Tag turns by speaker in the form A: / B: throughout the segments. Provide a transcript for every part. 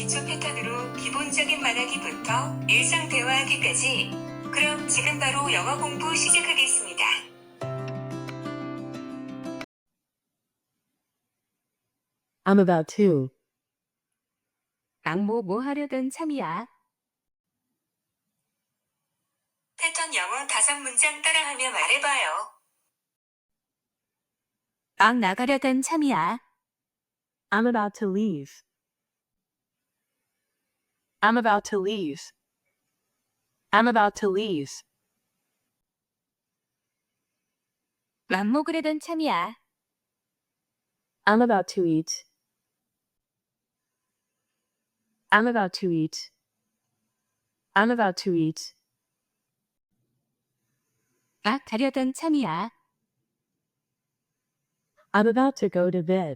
A: 기초 패턴으로 기본적인 말하기부터 일상 대화하기까지. 그럼 지금 바로 영어 공부 시작하겠습니다.
B: I'm about to.
C: 뭐 하려던 참이야.
A: 패턴 영어 5문장 따라하며 말해봐요.
C: 나가려던 참이야.
B: I'm about to leave. I'm about to leave. I'm about to leave.
C: 먹으려던 참이야.
B: I'm about to eat. I'm about to eat. I'm about to eat.
C: 가려던 참이야.
B: I'm about to go to bed.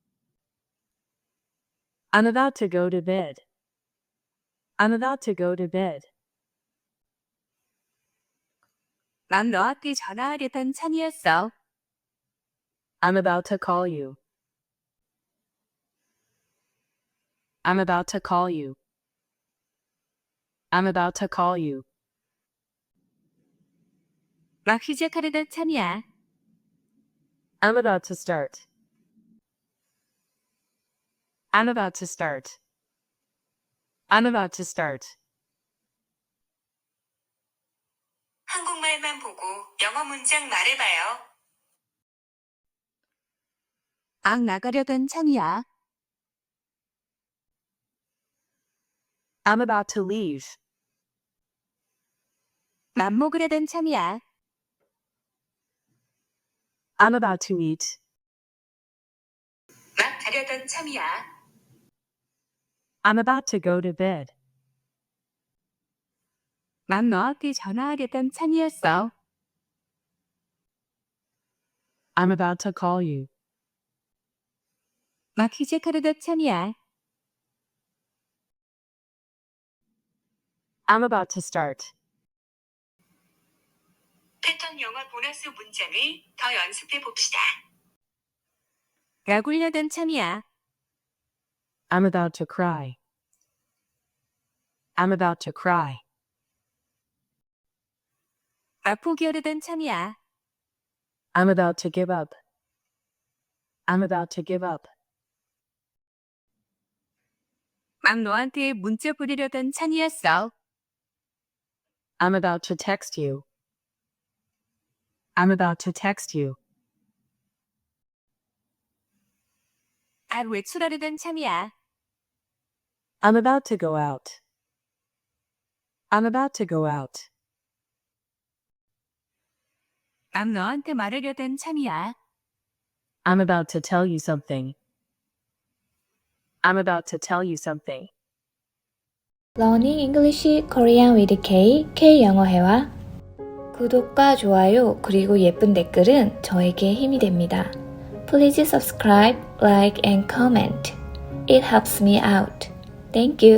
B: I'm about to go to bed. I'm about to go to bed.
C: 너한테 전화하려던 참이었어.
B: I'm about to call you. I'm about to call you. I'm about to call you.
C: 시작하려던 참이야.
B: I'm about to start. I'm about to start. I'm about to start.
A: 한국말만 보고 영어 문장 말해봐요.
C: 나가려던 참이야.
B: I'm about to leave.
C: 먹으려던 참이야.
B: I'm about to eat.
A: 가려던 참이야.
B: I'm about to go to bed.
C: 너한테 전화하려던 참이었어.
B: I'm about to call you.
C: 시작하려던 참이야.
B: I'm about to start.
A: 패턴 영어 보너스 문장을 더 연습해 봅시다.
C: 울려던 참이야.
B: I'm about to cry. I'm about to cry.
C: 포기하려던 참이야.
B: I'm about to give up. I'm about to give up.
C: 너한테 문자 보내려던 참이었어.
B: I'm about to text you. I'm about to text you.
C: 외출하려던 참이야.
B: I'm about to go out. I'm about to go out.
C: 너한테 말하려던 참이야.
B: I'm about to tell you something. I'm about to tell you something.
D: Learning English Korean with K, K영어회화. 구독과 좋아요 그리고 예쁜 댓글은 저에게 힘이 됩니다. Please subscribe, like and comment. It helps me out. Thank you.